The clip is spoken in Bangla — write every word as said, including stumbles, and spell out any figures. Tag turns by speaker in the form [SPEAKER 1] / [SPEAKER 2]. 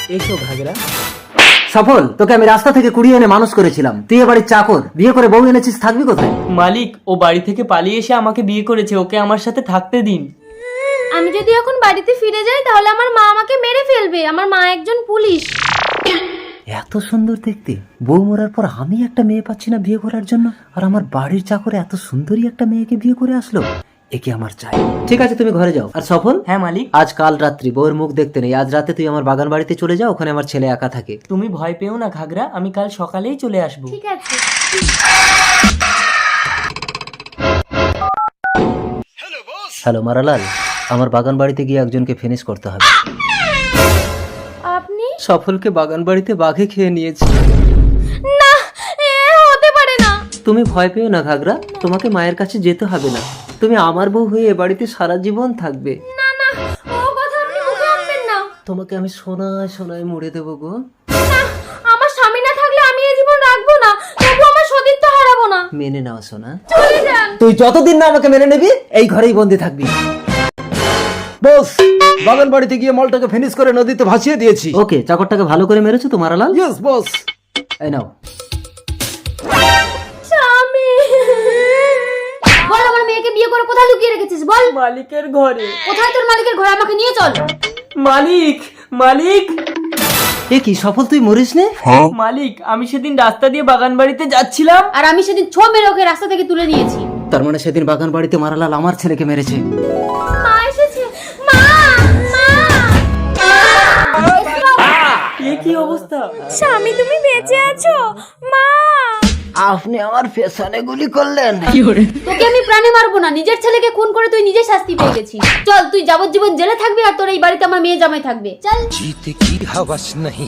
[SPEAKER 1] এসো ঘাগরা।
[SPEAKER 2] সফল, তোকে আমি রাস্তা থেকে কুড়িয়ে এনে মানুষ করেছিলাম, তুই এ বাড়ির চাকর, বিয়ে করে বউ এনেছিস, থাকবি কোথায়?
[SPEAKER 1] মালিক, ও বাড়ি থেকে পালিয়ে এসে আমাকে বিয়ে করেছে, ওকে আমার সাথে থাকতে দিন।
[SPEAKER 3] আমি যদি এখন বাড়িতে ফিরে যাই তাহলে আমার মা আমাকে মেরে ফেলবে, আমার মা একজন পুলিশ।
[SPEAKER 2] এত সুন্দর দেখতে বউ মরার পর আমি একটা মেয়ে পাচ্ছি না বিয়ে করার জন্য, আর আমার বাড়ির চাকরে এত সুন্দরী একটা মেয়েকে বিয়ে করে আসলো, একে আমার চাই। ঠিক আছে, তুমি ঘরে যাও। আর সফল,
[SPEAKER 1] হ্যাঁ মালিক।
[SPEAKER 2] আজ কাল রাত্রি বউয়ের মুখ দেখতে নেই, আজ রাতে তুই আমার বাগান বাড়িতে চলে যাও, ওখানে আমার ছেলে একা থাকে।
[SPEAKER 1] তুমি ভয় পেও না ঘাগরা, আমি কাল সকালেই চলে আসবো।
[SPEAKER 3] ঠিক আছে।
[SPEAKER 2] হ্যালো মারালাল, আমার বাগান বাড়িতে গিয়ে একজনকে ফিনিশ করতে হবে।
[SPEAKER 3] আপনি?
[SPEAKER 2] সফলকে বাগান বাড়িতে বাঘে খেয়ে নিয়েছে।
[SPEAKER 3] না, এ হতে পারে না।
[SPEAKER 2] তুমি ভয় পেও না ঘাগরা, তোমাকে মায়ের কাছে যেতে হবে না, তুমি আমার বউ হয়ে এ বাড়িতে সারা জীবন থাকবে।
[SPEAKER 3] না না, ও কথা আপনি মুখে আনবেন না।
[SPEAKER 2] তোমাকে আমি সোনায় সোনায় মুড়ে দেবো গো।
[SPEAKER 3] না, আমার স্বামী না থাকলে আমি এই জীবন রাখবো না, তবু আমার সতীত্ব হারাবো না।
[SPEAKER 2] মেনে নাও সোনা।
[SPEAKER 3] চলে যান।
[SPEAKER 2] তুই যতদিন না আমাকে মেনে নিবি এই ঘরেই বন্দি থাকবি।
[SPEAKER 4] বস, বাগান বাড়িতে গিয়ে মালটাকে ফিনিশ করে নদীতে ভাসিয়ে দিয়েছি।
[SPEAKER 2] ওকে, চাকরটাকে ভালো করে মেরেছো তো মারালাল?
[SPEAKER 4] Yes boss.
[SPEAKER 2] এই নাও।
[SPEAKER 3] স্বামী, বল আমার মেয়েকে বিয়ে করে কোথায় লুকিয়ে রেখেছিস বল।
[SPEAKER 1] মালিকের ঘরে।
[SPEAKER 3] কোথায় তোর মালিকের ঘরে, আমাকে নিয়ে চল।
[SPEAKER 1] মালিক, মালিক,
[SPEAKER 2] এ কি সফল, তুই মরিস নে?
[SPEAKER 1] মালিক, আমি সেদিন রাস্তা দিয়ে বাগান বাড়িতে যাচ্ছিলাম।
[SPEAKER 3] আর আমি সেদিন ছো মেরে ওকে রাস্তা থেকে তুলে নিয়েছি।
[SPEAKER 2] তার মানে সেদিন বাগান বাড়িতে মারালাল আমার ছেলেকে মেরেছে।
[SPEAKER 3] মা এসেছে, মা, মা।
[SPEAKER 1] এ কি অবস্থা?
[SPEAKER 3] স্বামী তুমি বেঁচে আছো? মা,
[SPEAKER 2] আপনি আমার পেছনে গুলি করলেন।
[SPEAKER 3] তোকে আমি প্রাণে মারবো না, নিজের ছেলেকে খুন করে তুই নিজে শাস্তি পেয়ে গেছিস। চল, তুই যাবজ্জীবন জেলে থাকবি আর তোর এই বাড়িতে আমার মেয়ে জামাই থাকবে। চল।
[SPEAKER 5] जीते की हवस नहीं।